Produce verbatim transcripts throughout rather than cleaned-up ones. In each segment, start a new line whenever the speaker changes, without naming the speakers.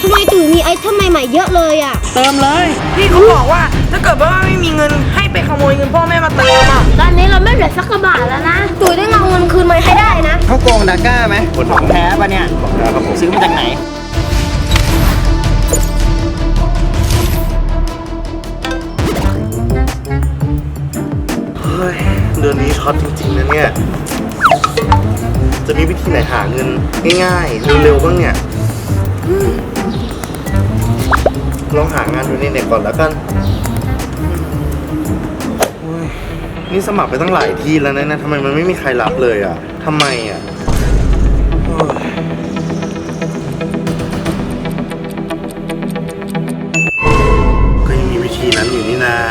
ทำไมตุ๋ยมีไอเทมใหม่ๆเยอะเลยอ่ะ
เติมเลยพี่เขาบอกว่าถ้าเกิดว่าไม่มีเงินให้ไปขโมยเงินพ่อแม่มาเติมอ่ะ
ตอนนี้เราไม่เหลือสักกระบาทแล้วนะตุ๋ยต้องเอาเงินคืนมาให้ได้นะ
เขาโกงดาก้าไหมของแท้ปะเนี่ยของแท้ครับผมซื้อมาจากไหน
เฮ้ยเดือนนี้ช็อตจริงๆนะเนี่ยจะมีวิธีไหนหาเงินง่ายๆเร็วๆบ้างเนี่ยลองหางานดูในเน็ตก่อนแล้วกันนี่สมัครไปตั้งหลายที่แล้วนะทำไมมันไม่มีใครรับเลยอ่ะทำไมอ่ะก็ยังมีวิธีนั้นอยู่นี่นา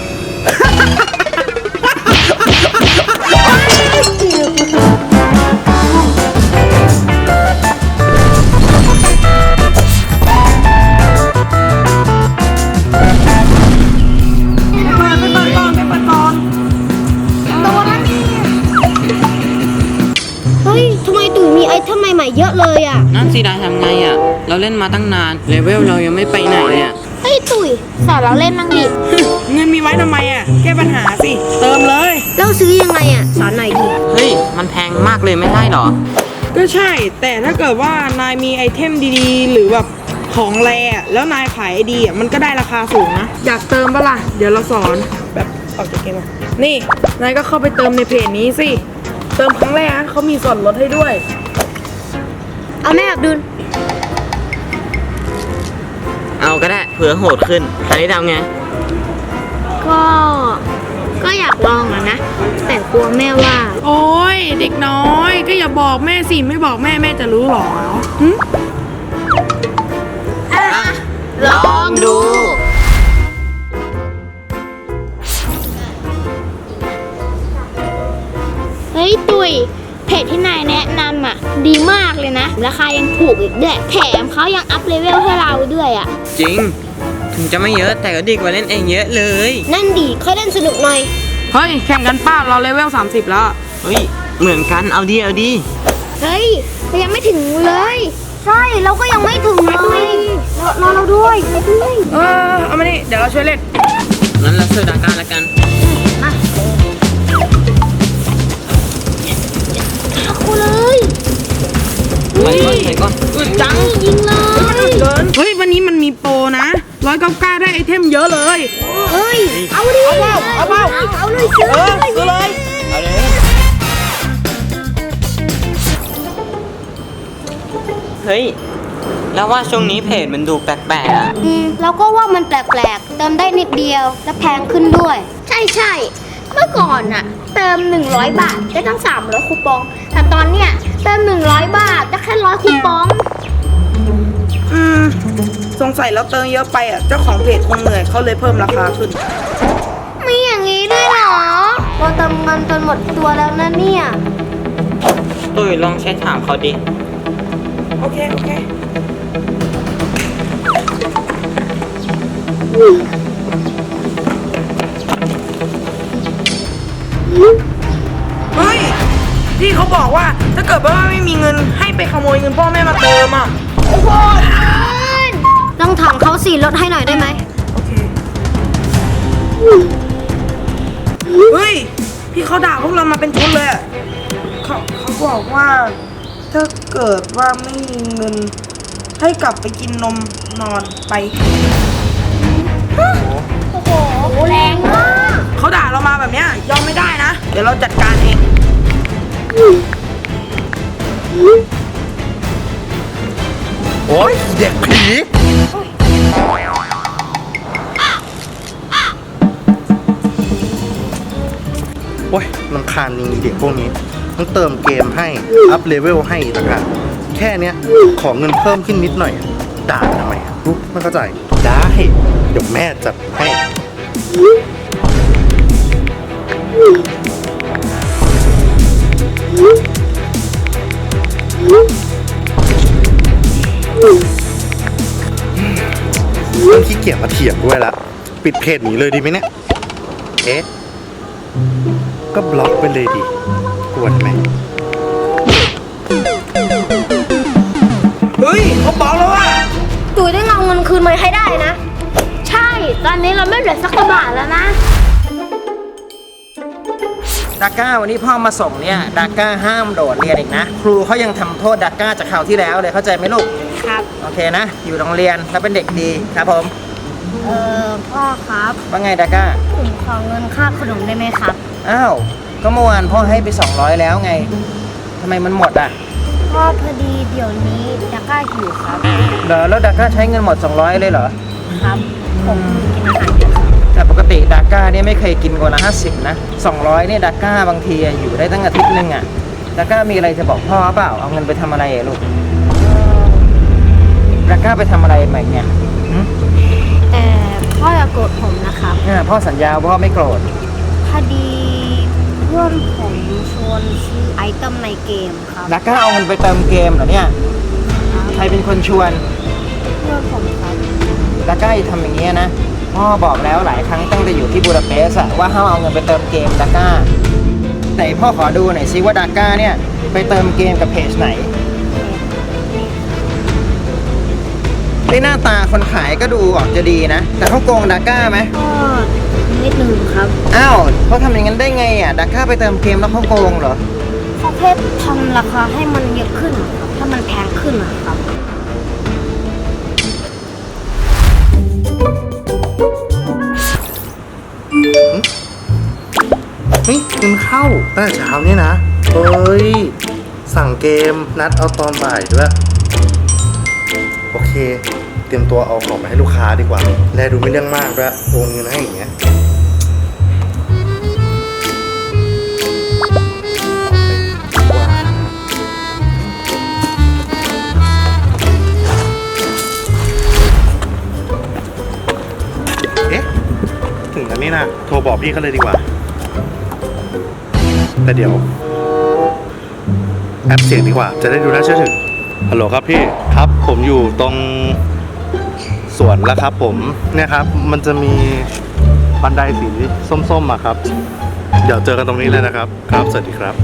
เยอะเลยอ่ะ
นั่นสิดาทำไงอ่ะเราเล่นมาตั้งนานเลเวลเรายังไม่ไปไหนเลยอ่ะ
เฮ้ยตุ๋ยสอนเราเล่นมั่งดิ
เงินมีไว้ทำไมอ่ะแก้ปัญหาสิเติมเลย
เราซื้อยังไงอ่ะสอนหน่อยดิ
เฮ้ยมันแพงมากเลยไม่ได้หรอ
ก็ใช่แต่ถ้าเกิดว่านายมีไอเทมดีๆหรือแบบของแรแล้วนายขายดีอ่ะมันก็ได้ราคาสูงนะอยากเติมปะล่ะเดี๋ยวเราสอนแบบออกจากเกมอ่ะนี่นายก็เข้าไปเติมในเพจนี้สิเติมครั้งแรกนะเขามีส่วนลดให้ด้วย
เอาแม่อับดุล
เอาก็ได้เผื่อโหดขึ้นใครทำไง
ก็ก็อยากลองอะนะแต่กลัวแม่ว่า
โอ้ยเด็กน้อยก็อย่าบอกแม่สิไม่บอกแม่แม่จะรู้หรอ
อ่ะลองดูเฮ้ยตุยเพจที่นายแนะนำอ่ะดีมากเลยนะราคายังถูกอีกด้วยแถมเขายังอัพเลเวลให้เราด้วยอ่ะ
จริงถึงจะไม่เยอะแต่ก็ดีกว่าเล่นเองเยอะเลย
นั่นดีเขาเล่นสนุกหน่อย
เฮ้ยแข่งกันป้าเราเลเวลสามสิบแล้ว
เฮ้ยเหมือนกันเอาดีเอาดี
เฮ้ยเรายังไม่ถึงเลยใช่เราก็ยังไม่ถึงเลยรอเราด้วย
เออเอามานี่เดี๋ยวเราช่วยเล่น
งั้นเราซื้อดาก้าละกัน
มาเอาเลย
ไปก่อนไปก่อนอึดจัง
ยิงเลย
เฮ้ยวันนี้มันมีโปรนะร้อยเก้าเก้าได้ไอเทมเยอะเลย
เฮ้ยเอาดิ
เอาเปล่าเอาเปล่า
เอาเลยซื้อเลย
ซื้อเลย
เอาเลยเฮ้ยแล้วว่าช่วงนี้เพจมันดูแปลกๆอ่ะ
อืมเราก็ว่ามันแปลกๆเติมได้นิดเดียวและแพงขึ้นด้วยใช่ใช่เมื่อก่อนอะเติมหนึ่งร้อยบาทได้ตั้งสามร้อยคูปองแต่ตอนเนี้ยเติมหนึ่งร้อยบาทได้แค่ร้อยคูปอง
อืมสงสัยเราเติมเยอะไปอ่ะเจ้าของเพจคงเหนื่อยเขาเลยเพิ่มราคาขึ้น
มีอย่างนี้ด้วยเหรอเราเติมเงินจนหมดตัวแล้วนะเนี่ย
ตุ้ยลองใช้ถามเขาดิ
โอเคโอเคเฮ้ยพี่เขาบอกว่าถ้าเกิดว่าไม่มีเงินให้ไปขโมยเงินพ่อแม่มาเติมอ่ะโอ้โห
ต้องถามเขาสิลดให้หน่อยได้ไหม
โอเคเฮ้ยพี่เขาด่าพวกเรามาเป็นชุดเลยอ่ะเขาเขาบอกว่าถ้าเกิดว่าไม่มีเงินให้กลับไปกินนมนอนไป
โอ้โหแรงมาก
เขาด่าเรามาแบบเนี้ยยอมไม่ได้นะเดี๋ยวเราจัดการเอง
โอ้ยเด็กผีโอ้ยรำคาญจริงเด็กพวกนี้ต้องเติมเกมให้อัพเลเวลให้ต่างหากแค่เนี้ยขอเงินเพิ่มขึ้นนิดหน่อยด่าทำไมรู้ไม่เข้าใจได้เดี๋ยวแม่จัดให้เรื่องขี้เกียจมาเถียงด้วยละปิดเพจหนีเลยดีไหมเนี่ยเอ๊ะก็บล็อกไปเลยดิกวนไหม
เฮ้ยเขาบอกแล้วว่า
ตุ๋ยคืนมาให้ได้นะ ใช่ ตอนนี้เราไม่เหลือสักกระบาทแล้วนะ
ดาก้าวันนี้พ่อมาส่งเนี่ยดาก้าห้ามโดดเรียนอีกนะ ครูเขายังทำโทษดาก้าจากคราวที่แล้วเลยเข้าใจไหมลูก
ครับ
โอเคนะ อยู่โรงเรียนแล้วเป็นเด็กดีครับผม
เออพ่อครับ
ว่าไงดาก้า
ผมขอเงินค่าขนมได้ไหมครับ
อ้าวก็เมื่อวานพ่อให้ไปสองร้อยแล้วไงทำไมมันหมดอ่ะ
พ่อพอดีเดี๋ยวนี้ดาก้าหิวครับ
เหรอแล้วดาก้าใช้เงินหมดสองร้อยเลยเหรอ
ครับ ผมกินอาหารเยอะครับ
แต่ปกติดาก้าเนี่ยไม่เคยกินกว่าละห้าสิบนะสองร้อยเนี่ยดาก้าบางทีอะอยู่ได้ตั้งอาทิตย์หนึงอ่ะดาก้ามีอะไรจะบอกพ่อเปล่าเอาเงินไปทำอะไรอะลูกดาก้าไปทำอะไรใหม่เนี่ยหึ
แต่พ่ออย่าโกรธผมนะครับ
อ่าพ่อสัญญาว่าพ่อไม่โกรธ
พอดีเพื่อนผมชวนซื้อไอเทมในเกมครับ
ดาก้าเอาเงินไปเติมเกมเหรอเนี่ยใครเป็นคนชวน
เพื่อนผมครับ
ดาก้าอย่าทำอย่างเงี้ยนะพ่อบอกแล้วหลายครั้งตั้งแต่อยู่ที่บูดาเปสต์อะว่าห้ามเอาเงินไปเติมเกมดาก้าไหนพ่อขอดูหน่อยซิว่าดาก้าเนี่ยไปเติมเกมกับเพจไหนในหน้าตาคนขายก็ดูออกจะดีนะ แต่เขาโกงดาก้าไหม
ก็นิดนึงครับ
อ้าวเขาทำอย่างนั้นได้ไงอ่ะดาก้าไปเติมเกมแล้วเขาโกงเหรอ
เขาแค่ทำราคาให้มันเยอะขึ้นอะครับถ้ามันแพงขึ้นอะครับ
เฮ้ยเงินเข้าตั้งแต่เช้าเนี่ยนะเฮ้ยสั่งเกมนัดเอาตอนบ่ายด้วยโอเค เตรียมตัวเอาของไปให้ลูกค้าดีกว่าแลดูไม่เรื่องมากด้วยโอนเงินให้อย่างเงี้ยเอ๊ะถึงกันนี่นะโทรบอกพี่เขาเลยดีกว่า แต่เดี๋ยวแอปเสียงดีกว่าจะได้ดูน่าเชื่อถือฮัลโหลครับพี่ครับผมอยู่ตรงสวนแล้วครับผมเนี่ยครับมันจะมีบันไดสีส้มๆอะครับเดี๋ยวเจอกันตรงนี้เลยนะครับครับสวัสดีครับ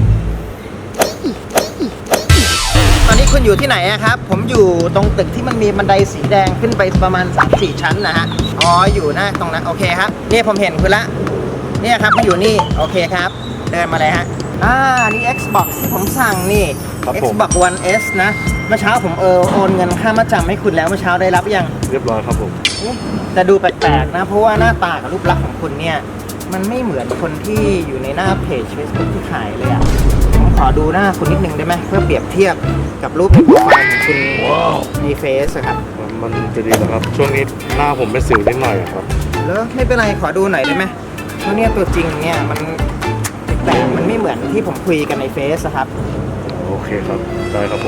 ตอนนี้คุณอยู่ที่ไหนอะครับ ผมอยู่ตรงตึกที่มันมีบันไดสีแดงขึ้นไปประมาณ สามสี่ ชั้นนะฮะอ๋ออยู่หน้าตรงนั้นโอเคครับเนี่ยผมเห็นคุณละเนี่ยครับมาอยู่นี่โอเคครับเดินมาเลยฮะอ่านี่ Xbox ที่ผมสั่งนี่
ครับผม
Xbox One S นะเมื่อเช้าผมเออโอนเงินค่ามาจำให้คุณแล้วเมื่อเช้าได้รับยัง
เรียบร้อยครับผม
แต่ดูแปลกๆนะ เพราะว่าหน้าตากับรูปลักษณ์ของคุณเนี่ย มันไม่เหมือนคนที่อยู่ในหน้าเพจ Facebook ที่ขายเลยอ่ะ ผมขอดูหน้าคุณนิดนึงได้ไหมเพื่อเปรียบเทียบกับรูปในโปรไฟล์ของคุณในเฟซอะครับ
มันจะดีนะครับช่วงนี้หน้าผมเป็นสิวนิดหน่อยครับ
แล้วไม่เป็นไรขอดูหน่อยได้ไหมเพราะเนี่ยตัวจริงเนี่ยมันแปลกๆมันไม่เหมือนที่ผมคุยกันในเฟซอะครับ
โอเคครับได้ครับผม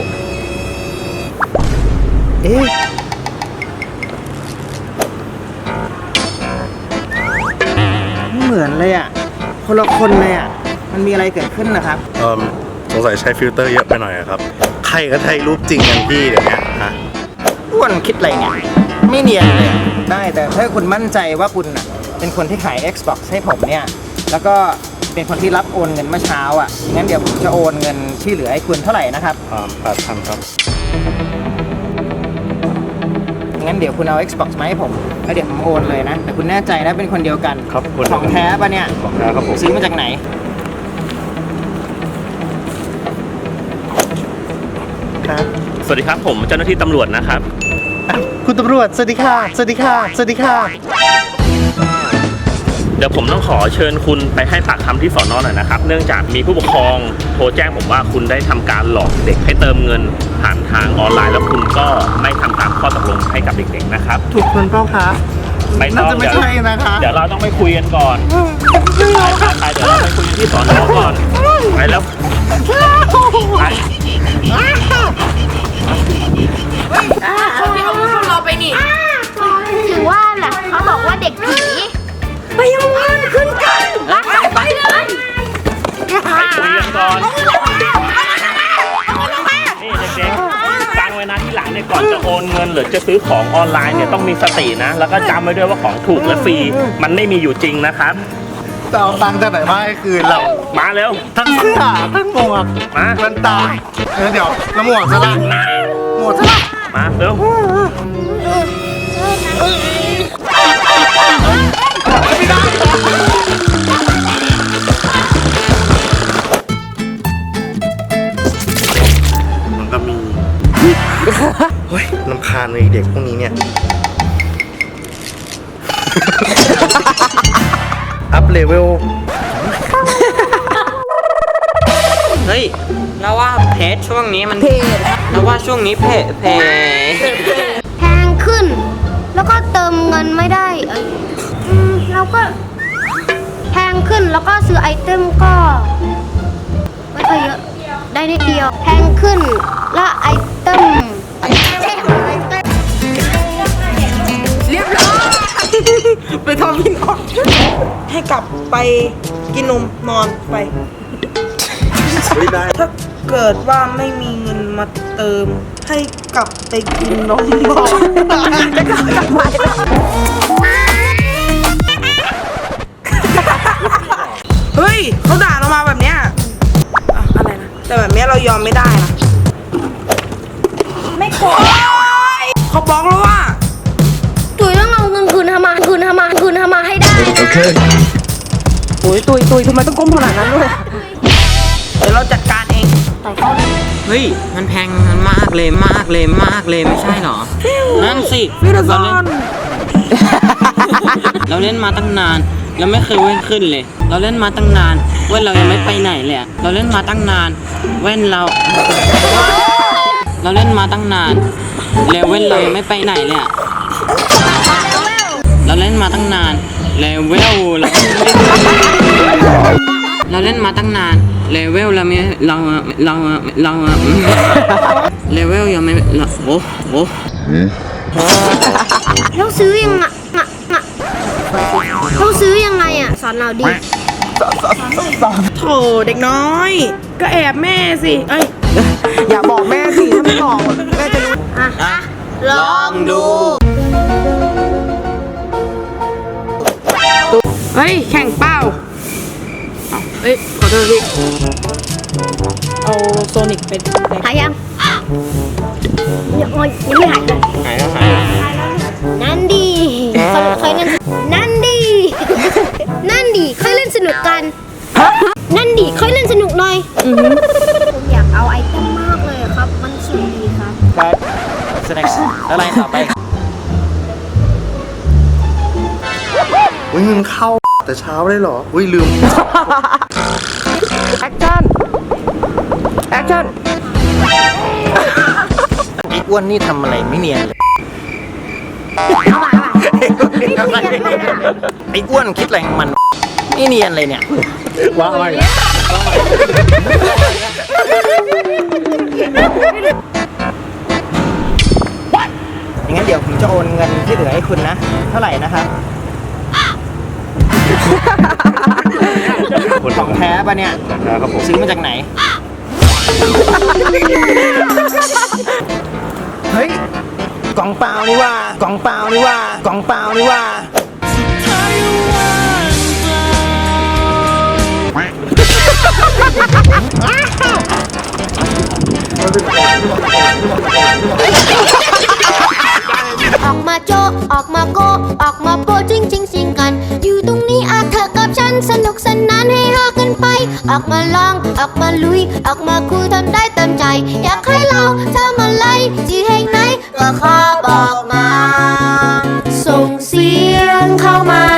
เอ๊ะไม่เหมือนเลยอ่ะ คนละคนเลยอ่ะ มันมีอะไรเกิดขึ้นนะครับ
เอ่อสงสัยใช้ฟิลเตอร์เยอะไปหน่อยอะครับใครก็ใช้รูปจริงกันพี่เดี๋ยวนี้ฮะ
อ้วนคิดอะไรเนี่ยไม่เนียนเลยอะได้แต่ถ้าคุณมั่นใจว่าคุณน่ะเป็นคนที่ขาย Xbox ให้ผมเนี่ยแล้วก็เป็นคนที่รับโอนเงินเมื่อเช้าอ่ะงั้นเดี๋ยวผมจะโอนเงินที่เหลือให้คุณเท่าไหร่นะครับ
อ่าแปดพันครับ
งั้นเดี๋ยวคุณเอา Xbox มาให้ผมแล้วเดี๋ยวผมโอนเลยนะแต่คุณแน่ใจนะเป็นคนเดียวกัน
ครับคนเดียวกัน
ของแท้ปะเนี่ย
ของแท้ครับผม
ซื้อมาจากไหน
ครับ
สวัสดีครับผมเจ้าหน้าที่ตำรวจนะครับ
คุณตำรวจสวัสดีค่ะสวัสดีค่ะสวัสดีค่ะ
เดี๋ยวผมต้องขอเชิญคุณไปให้ปากคำที่สอนอหน่อยนะครับ เนื่องจากมีผู้ปกครองโทรแจ้งผมว่าคุณได้ทำการหลอกเด็กให้เติมเงินผ่านทางออนไลน์ แล้วคุณก็ไม่ทำตามข้อตกลงให้กับเด็กๆนะครับ
ถูกคนเปล่าคะ
ไม่ต้อง
น่าจะไม่ใช่นะคะ
เดี๋ยวเราต้องไปคุยกันก่อนไปไปเดี๋ยวเราไปคุยกันที่สอนอก่อนไปแล้วไป
ถือว่าแหละเขาบอกว่าเด็กผีไปยังเงินขึ้นกันไปเลย
คุยกันก่อนนี่เด็กๆฟังไว้นะที่หลังเนี่ยก่อนจะโอนเงินหรือจะซื้อของออนไลน์เนี่ยต้องมีสตินะ แล้วก็จำไว้ด้วยว่าของถูกและฟรีมันไม่มีอยู่จริงนะครับ
จะเอาตังค์จากไหนมาให้คืนเรา
มาเร็ว
ทั้งเสื้อทั้งหมวก
มา
แว่นตาเออเดี๋ยวแล้วหมวกซะละหมวกซะละ
มาเร็ว
ถ
มันก็มีเฮ้ยลำคาญเลยเด็กพวกนี้เนี่ย อัพเลเวล
เฮ้ยแล้วว่าเพจช่วงนี้มันเพจแล้วว่าช่วงนี้เพจเพจ
แพงขึ้น แล้วก็เติมเงินไม่ได้เอ้ยอืมแล้วก็แพงขึ้นแล้วก็ซื้อไอเทมก็ไม่ค่อยเยอะ ได้นิดเดียว แพงขึ้นแล้วไอเทมไอเทม
เรียบร้อย ไปทำพี่น้องให้กลับไปกินนมนอนไป
ไม่ได้
ถ้าเกิดว่าไม่มีเงินมาเติม ให้กลับไปกินนมนอนจะกลับกลับไปเฮ้ยเขาด่าเรามาแบบเนี้ยอะอะไรนะ แต่แบบเนี้ยเรายอมไม่ได้นะ ไม่โกรธเขาบอกแล้วว่า
ตุยต้องเอาเงินคืนทำมาคืนทำมาคืนทำมาให้ได้นะ
โอ้ยตุยตุยทำไมต้องก้มขนาดนั้นด้วย เดี๋ยวเราจัดการเอง
เฮ้ยมันแพงมากเลยมากเลยมากเลยไม่ใช่เหรอนั่นสิ
ฟิลซ
เรา
อ
เล่น
น
เราเล่นมาตั้งนานเราไม่เคยเว้นขึ้นเลย เราเล่นมาตั้งนานเว้นเรายังไม่ไปไหนเลยอะเราเล่นมาตั้งนานเว้นเรา เราเล่นมาตั้งนานแล้วเว้นเรายังไม่ไปไหนเลยอะเราเล่นมาตั้งนานเลเวลเราเราเล่นมาตั้งนานเลเวลเราไม่เราเราเราเลเวลยังไม่เราโอ้โห
เราซื้อยังไงอะอะเราซื้อยังไงอ่ะ สอนเราดิ
โถเด็กน้อย ก็แอบแม่สิ เอ้ย อย่าบอกแม่สิ ถ้าไม่บอกแม่จะรู้
อ่ะ ลองดู
เฮ้ย แข่งเป้าเอาเอ้ย ขอโทษพี่เอาโซนิกเป็น
หายยังยังไม่ยังไม่หายเลย
หายแล้วหายแล้ว
นั่นดีสนุกเคยเล่นนั่นดี นั่นดีเคยเล่นสนุกกัน นั่นดีเคยเล่นสนุกหน่อยผมอยากเอาไอเทมมากเลยครับ มันสวยดีครับ
ครับแสดงแล้วอะไรต่อไป
อุ้ยเงินเข้าแต่เช้าเลยเหรอ อุ้ยลืม
แอคชั่น แอคชั่น
ไอ้อ้วนนี่ทำอะไรไม่เนียนเลย
เอามาเอามา
ไอ้อ้วนคิดอะไรของมันไม่เนียนเลยเนี่ย
ว้าวอะไร
อย่างนั้นเดี๋ยวผมจะโอนเงินที่เหลือให้คุณนะ เท่าไหร่นะครับ ของแท้ปะเนี่ย
ครับผม
ซื้อมาจากไหน เฮ้ย กล่องเปล่านี่ว่ากล่องเปล่านี่ว่ากล่องเปล่านี่ว่า
ออกมาโจะออกมาโกะออกมาโปะจริงจริงสิงกัน อยู่ตรงนี้อาเธอกับฉันสนุกสนานให้ฮากันไป ออกมาลอง ออกมาลุย ออกมาคุยทำได้เต็มใจ อยากให้เราทำอะไรที่แห่งไหนก็ขอบอกมา ส่งเสียงเข้ามา